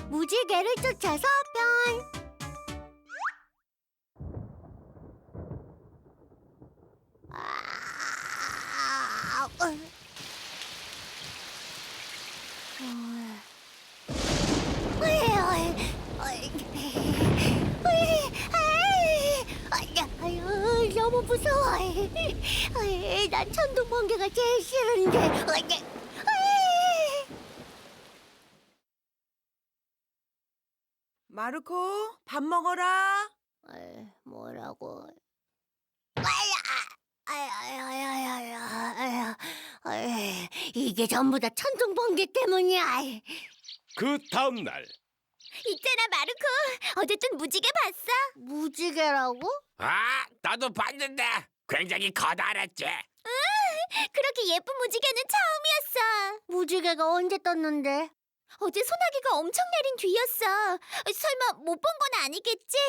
무지개를 쫓아서 편. 너무 무서워. 난 천둥 번개가 제일 싫은데. 마르코, 밥 먹어라. 뭐라고? 이게 전부 다 천둥 번개 때문이야. 그 다음 날 있잖아, 마르코. 어쨌든 무지개 봤어? 무지개라고? 나도 봤는데 굉장히 커다랬지. 그렇게 예쁜 무지개는 처음이었어. 무지개가 언제 떴는데? 어제 소나기가 엄청 내린 뒤였어. 설마 못 본 건 아니겠지?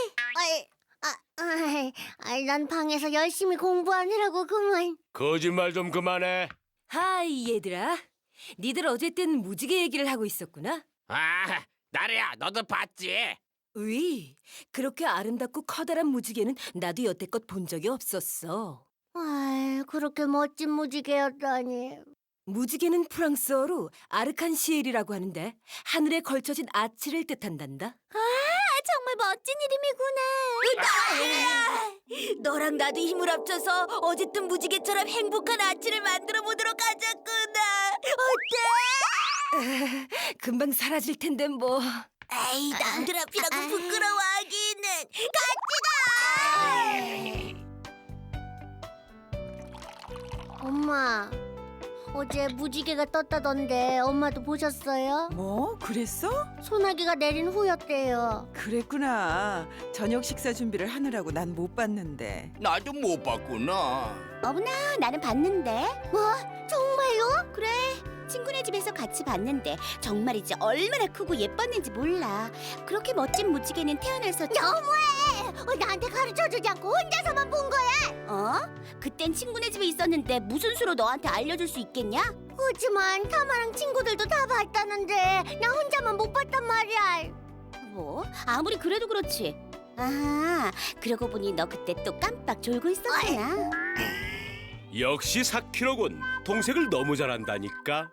난 방에서 열심히 공부하느라고 그만. 거짓말 좀 그만해. 하이 얘들아. 니들 어쨌든 무지개 얘기를 하고 있었구나. 나래야, 너도 봤지? 으이, 그렇게 아름답고 커다란 무지개는 나도 여태껏 본 적이 없었어. 그렇게 멋진 무지개였다니. 무지개는 프랑스어로 아르칸시엘이라고 하는데 하늘에 걸쳐진 아치를 뜻한단다. 정말 멋진 이름이구나. 너랑 나도 힘을 합쳐서 어쨌든 무지개처럼 행복한 아치를 만들어 보도록 하자꾸나. 어때? 금방 사라질 텐데 뭐. 에이, 남들 앞이라고 부끄러워하기는. 엄마, 어제 무지개가 떴다던데 엄마도 보셨어요? 뭐? 그랬어? 소나기가 내린 후였대요. 그랬구나. 저녁 식사 준비를 하느라고 난 못 봤는데. 나도 못 봤구나. 어머나, 나는 봤는데. 뭐? 정말요? 그래. 친구네 집에서 같이 봤는데 정말이지 얼마나 크고 예뻤는지 몰라. 그렇게 멋진 무지개는 태어나서 너무해! 나한테 가르쳐주지 않고 혼자서만 본 거야? 그땐 친구네 집에 있었는데 무슨 수로 너한테 알려줄 수 있겠냐? 하지만 타마랑 친구들도 다 봤다는데 나 혼자만 못 봤단 말이야. 뭐? 아무리 그래도 그렇지. 그러고 보니 너 그때 또 깜빡 졸고 있었구나. 역시 4kg군. 동생을 너무 잘한다니까.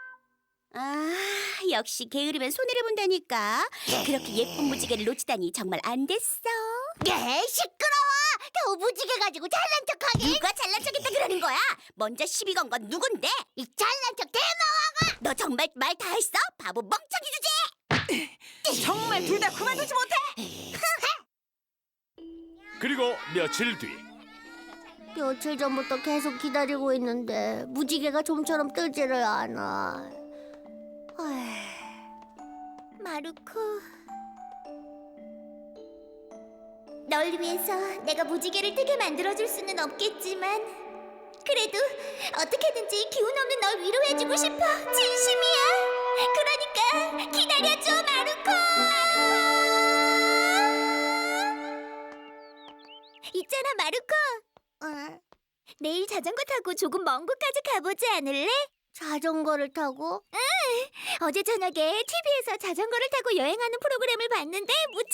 역시 게으르면 손해를 본다니까. 그렇게 예쁜 무지개를 놓치다니 정말 안 됐어. 시끄러워. 더 무지개 가지고 잘난 척하게. 누가 잘난 척했다 그러는 거야? 먼저 시비 건 건 누군데? 이 잘난 척 대마왕아. 너 정말 말 다 했어? 바보 멍청이 주제. 정말 둘 다 그만두지 못해. 그리고 며칠 뒤 며칠 전부터 계속 기다리고 있는데 무지개가 좀처럼 뜨지를 않아. 마루코, 널 위해서 내가 무지개를 뜨게 만들어줄 수는 없겠지만 그래도 어떻게든지 기운 없는 널 위로해주고 싶어. 진심이야. 그러니까 기다려줘, 마루코. 있잖아, 마루코. 내일 자전거 타고 조금 먼 곳까지 가보지 않을래? 자전거를 타고? 응! 어제 저녁에 TV에서 자전거를 타고 여행하는 프로그램을 봤는데 무척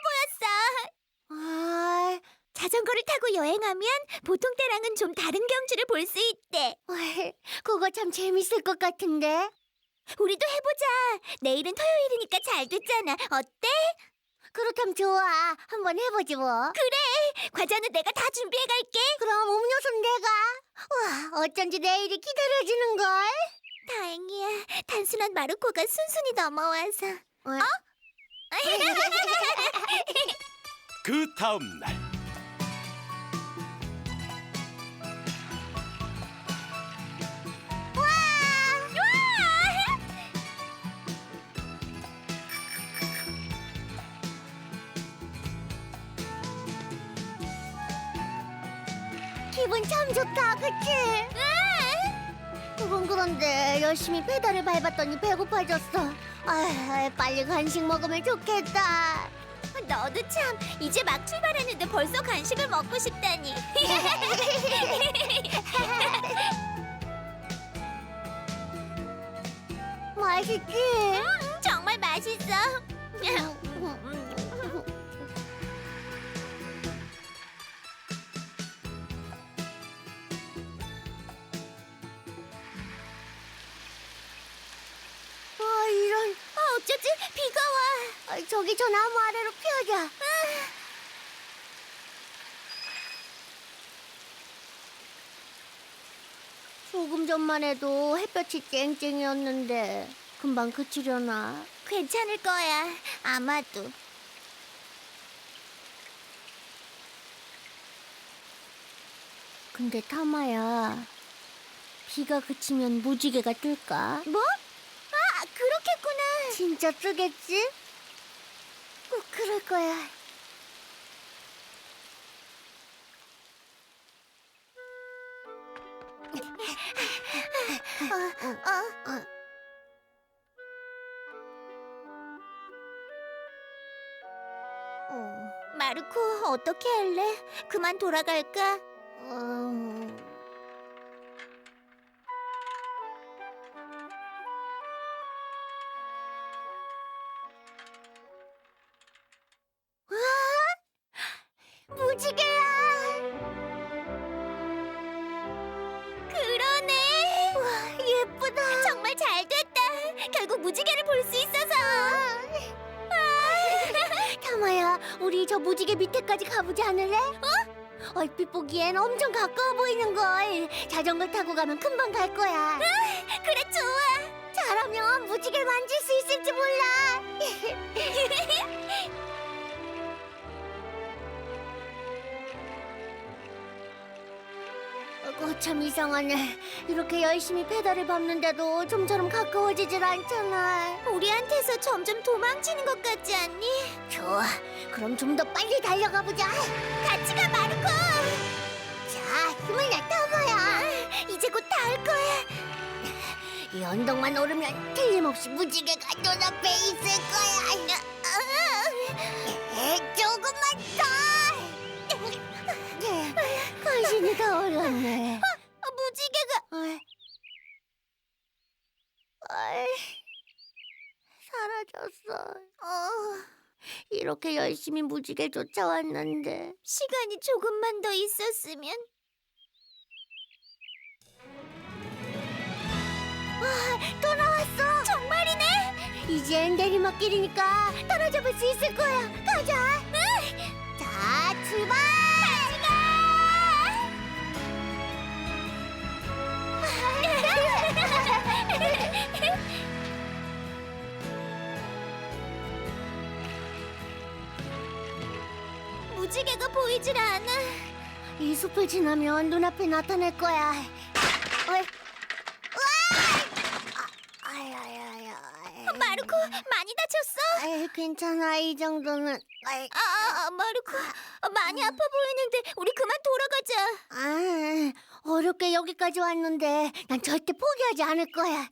신나 보였어. 자전거를 타고 여행하면 보통 때랑은 좀 다른 경치를 볼 수 있대. 그거 참 재밌을 것 같은데. 우리도 해보자. 내일은 토요일이니까 잘 됐잖아. 어때? 그렇다면 좋아. 한번 해보지 뭐. 그래. 과자는 내가 다 준비해갈게. 그럼 음료수는 내가. 와, 어쩐지 내일이 기다려지는걸. 다행이야. 단순한 마루코가 순순히 넘어와서. 그 다음 날 기분 참 좋다, 그치? 그건 그런데 열심히 페달을 밟았더니 배고파졌어. 빨리 간식 먹으면 좋겠다. 너도 참 이제 막 출발했는데 벌써 간식을 먹고 싶다니. 맛있지? 정말 맛있어. 이런. 어쩌지? 비가 와. 저기 저 나무 아래로 피하자. 조금 전만 해도 햇볕이 쨍쨍이었는데 금방 그치려나? 괜찮을 거야. 아마도. 근데 타마야, 비가 그치면 무지개가 뜰까? 뭐? 아, 그렇겠구나. 진짜 뜨겠지? 꼭 그럴 거야. 마르코, 어떻게 할래? 그만 돌아갈까? 무지개야! 그러네! 와, 예쁘다! 정말 잘 됐다! 결국 무지개를 볼 수 있어서! 타마야, 우리 저 무지개 밑에까지 가보지 않을래? 얼핏 보기엔 엄청 가까워 보이는걸. 자전거 타고 가면 금방 갈 거야. 그래, 좋아! 잘하면 무지개를 만질 수 있을지 몰라! 참 이상하네. 이렇게 열심히 페달을 밟는데도 좀처럼 가까워지질 않잖아. 우리한테서 점점 도망치는 것 같지 않니? 좋아. 그럼 좀 더 빨리 달려가 보자. 같이 가, 마르코. 자, 힘을 내, 타마야. 이제 곧 닿을 거야. 이 언덕만 오르면 틀림없이 무지개가 눈앞에 있을 거야. 조금만 더. 간신히 다 올랐네. 무지개가 사라졌어. 이렇게 열심히 무지개 쫓아왔는데 시간이 조금만 더 있었으면. 또 나왔어. 정말이네. 이젠 내리막길이니까 따라잡을 수 있을 거야. 가자. 자, 출발. 같이 가. 무지개가 보이질 않아. 이 숲을 지나면 눈앞에 나타날 거야. 마르코, 많이 다쳤어? 괜찮아, 이 정도는. 마르코, 많이 아파 보이는데 우리 그만 돌아가자. 어렵게 여기까지 왔는데 난 절대 포기하지 않을 거야.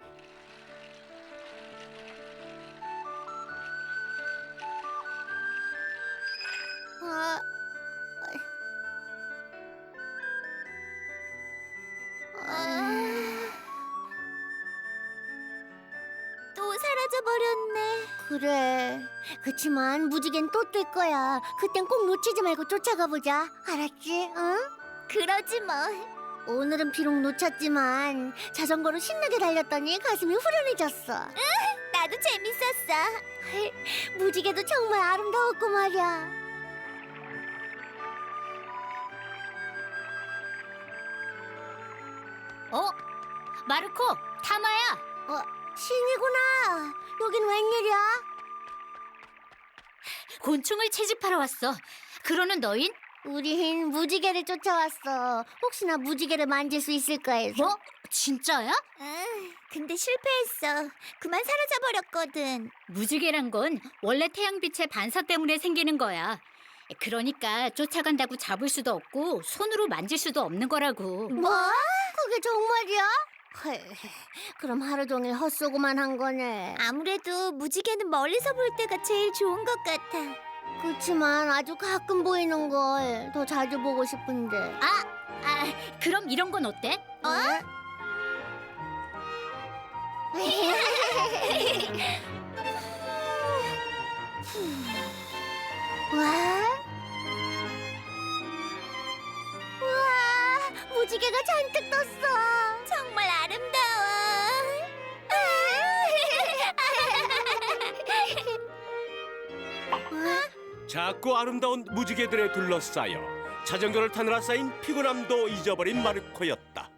또 사라져버렸네. 그래. 그치만 무지개는 또 뜰 거야. 그땐 꼭 놓치지 말고 쫓아가 보자. 알았지? 응? 그러지 뭐. 오늘은 비록 놓쳤지만 자전거로 신나게 달렸더니 가슴이 후련해졌어. 나도 재밌었어. 무지개도 정말 아름다웠고 말이야. 마르코, 타마야. 신이구나. 여긴 웬일이야? 곤충을 채집하러 왔어. 그러는 너흰? 우린 무지개를 쫓아왔어. 혹시나 무지개를 만질 수 있을까 해서. 뭐? 진짜야? 근데 실패했어. 그만 사라져버렸거든. 무지개란 건 원래 태양빛의 반사 때문에 생기는 거야. 그러니까 쫓아간다고 잡을 수도 없고 손으로 만질 수도 없는 거라고. 뭐? 그게 정말이야? 그럼 하루 종일 헛쏘고만 한 거네. 아무래도 무지개는 멀리서 볼 때가 제일 좋은 것 같아. 그치만 아주 가끔 보이는 걸 더 자주 보고 싶은데. 그럼 이런 건 어때? 우와, 무지개가 잔뜩 떴어. 정말 아름다워. 작고 아름다운 무지개들에 둘러싸여 자전거를 타느라 쌓인 피곤함도 잊어버린 마르코였다.